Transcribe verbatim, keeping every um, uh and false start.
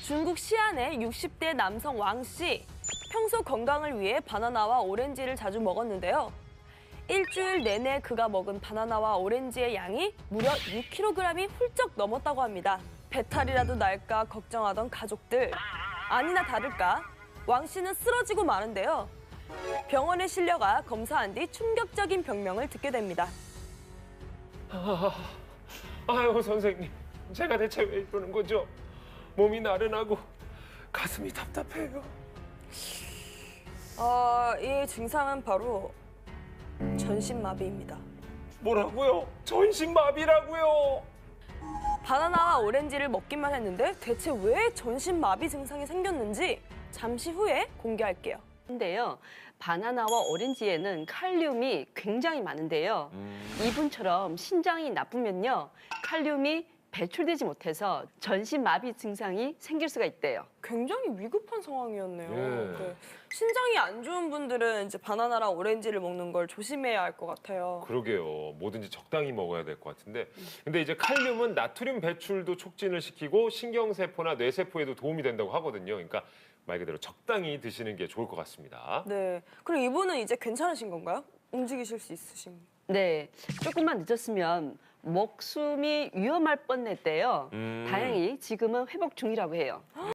중국 시안의 육십 대 남성 왕 씨. 평소 건강을 위해 바나나와 오렌지를 자주 먹었는데요. 일주일 내내 그가 먹은 바나나와 오렌지의 양이 무려 육 킬로그램이 훌쩍 넘었다고 합니다. 배탈이라도 날까 걱정하던 가족들. 아니나 다를까 왕 씨는 쓰러지고 마는데요. 병원에 실려가 검사한 뒤 충격적인 병명을 듣게 됩니다. 아, 아유 선생님, 제가 대체 왜 이러는 거죠? 몸이 나른하고 가슴이 답답해요. 어, 이 증상은 바로 전신마비입니다. 뭐라고요? 전신마비라고요? 바나나와 오렌지를 먹기만 했는데 대체 왜 전신마비 증상이 생겼는지 잠시 후에 공개할게요. 근데요, 바나나와 오렌지에는 칼륨이 굉장히 많은데요. 음. 이분처럼 신장이 나쁘면요, 칼륨이 배출되지 못해서 전신마비 증상이 생길 수가 있대요. 굉장히 위급한 상황이었네요. 네. 네. 신장이 안 좋은 분들은 이제 바나나랑 오렌지를 먹는 걸 조심해야 할 것 같아요. 그러게요. 뭐든지 적당히 먹어야 될 것 같은데. 근데 이제 칼륨은 나트륨 배출도 촉진을 시키고 신경세포나 뇌세포에도 도움이 된다고 하거든요. 그러니까 말 그대로 적당히 드시는 게 좋을 것 같습니다. 네. 그럼 이분은 이제 괜찮으신 건가요? 움직이실 수 있으신? 네, 조금만 늦었으면 목숨이 위험할 뻔했대요. 음. 다행히 지금은 회복 중이라고 해요.